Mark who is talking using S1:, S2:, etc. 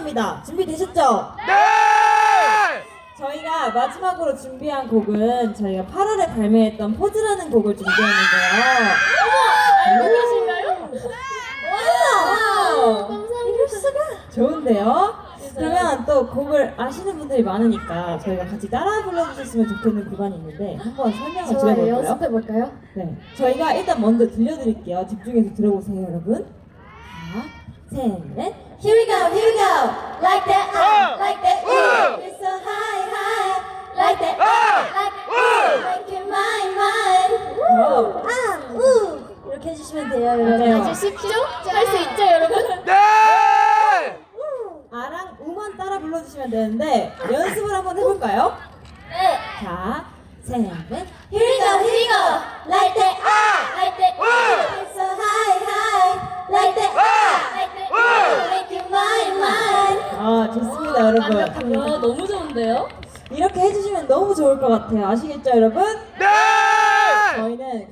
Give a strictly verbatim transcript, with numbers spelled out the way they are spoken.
S1: 합니다. 준비되셨죠?
S2: 네!
S1: 저희가 마지막으로 준비한 곡은 저희가 팔월에 발매했던 포즈라는 곡을 준비했는데요.
S3: 알고 계신가요?
S1: 와우!
S3: 감사합니다.
S1: 좋은데요? 그러면 또 곡을 아시는 분들이 많으니까 저희가 같이 따라 불러주셨으면 좋겠는 구간이 있는데 한번 설명을
S3: 좋아요.
S1: 드려볼까요?
S3: 연습해볼까요?
S1: 네, 저희가 일단 먼저 들려드릴게요. 집중해서 들어보세요, 여러분. 자, 셋, 넷. Here we go, here we go. Like that, uh, like that, ooh. It's so high, high. Like that, uh, like that, ooh. Make it mine, mine. 오, 아, 우. 이렇게 해주시면 돼요, 여러분.
S3: 아주 쉽죠? 할 수 있죠, 여러분?
S2: 네!
S1: 아랑 우만 따라 불러주시면 되는데 연습을 한번 해볼까요?
S3: 네.
S1: 자, 셋, 넷. Here we go, here we go. Like that, ah,
S3: like that,
S1: it's so high, high. Like that, ah,
S3: like that,
S1: make it mine, mine. 아, 좋습니다, 여러분.
S3: 와, 너무 좋은데요?
S1: 이렇게 해주시면 너무 좋을 것 같아요. 아시겠죠, 여러분?
S2: 네!
S1: 저희는